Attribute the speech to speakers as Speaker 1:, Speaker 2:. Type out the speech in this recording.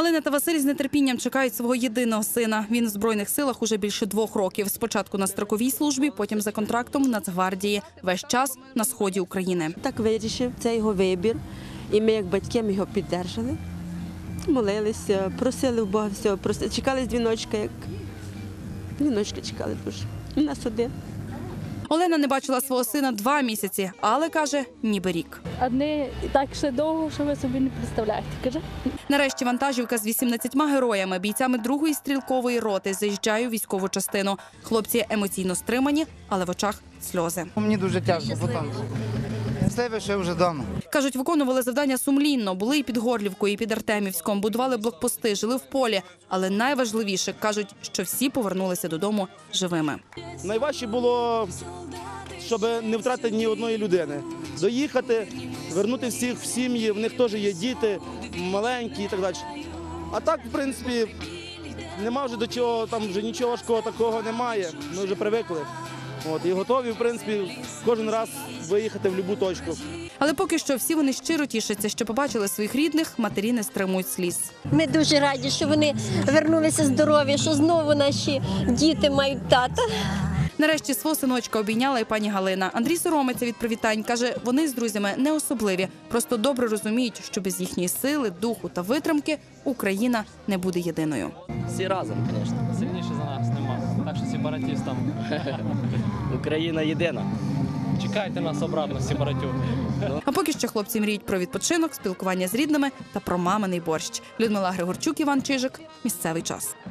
Speaker 1: Галина та Василь з нетерпінням чекають свого єдиного сина. Він в Збройних силах уже більше 2 років. Спочатку на строковій службі, потім за контрактом в Нацгвардії. Весь час на сході України.
Speaker 2: Так вирішив, це його вибір. І ми, як батьки, його підтримали. Молилися, просили у Бога всього. Чекали з дзвіночка, як дзвіночка чекали дуже. У нас один.
Speaker 1: Олена не бачила свого сина 2 місяці, але, каже, ніби рік.
Speaker 3: Одні так ще довго, що ви собі не представляєте. Каже.
Speaker 1: Нарешті вантажівка з 18 героями, бійцями 2-ї стрілкової роти, заїжджає у військову частину. Хлопці емоційно стримані, але в очах сльози.
Speaker 4: Мені дуже тяжко, бо там щасливий, що я вже вдома.
Speaker 1: Кажуть, виконували завдання сумлінно, були і під Горлівкою, і під Артемівськом, будували блокпости, жили в полі. Але найважливіше, кажуть, що всі повернулися додому живими.
Speaker 5: Найважче було, щоб не втратити ні одної людини. Доїхати, вернути всіх в сім'ї, в них теж є діти, маленькі і так далі. А так, в принципі, нема вже до чого, там вже нічого важкого такого немає, ми вже привикли. І готові, в принципі, кожен раз виїхати в будь-яку точку.
Speaker 1: Але поки що всі вони щиро тішаться, що побачили своїх рідних, матері не стримують сліз.
Speaker 6: Ми дуже раді, що вони вернулися здорові, що знову наші діти мають тата.
Speaker 1: Нарешті свого синочка обійняла і пані Галина. Андрій соромиться від привітань. Каже, вони з друзями не особливі, просто добре розуміють, що без їхньої сили, духу та витримки Україна не буде єдиною.
Speaker 7: Всі разом, звісно.
Speaker 8: Сильніше за нас нема, так що сепаратистам.
Speaker 7: Україна єдина.
Speaker 8: Чекайте нас обратно, сепаратюги.
Speaker 1: А поки що хлопці мріють про відпочинок, спілкування з рідними та про маминий борщ. Людмила Григорчук, Іван Чижик. Місцевий час.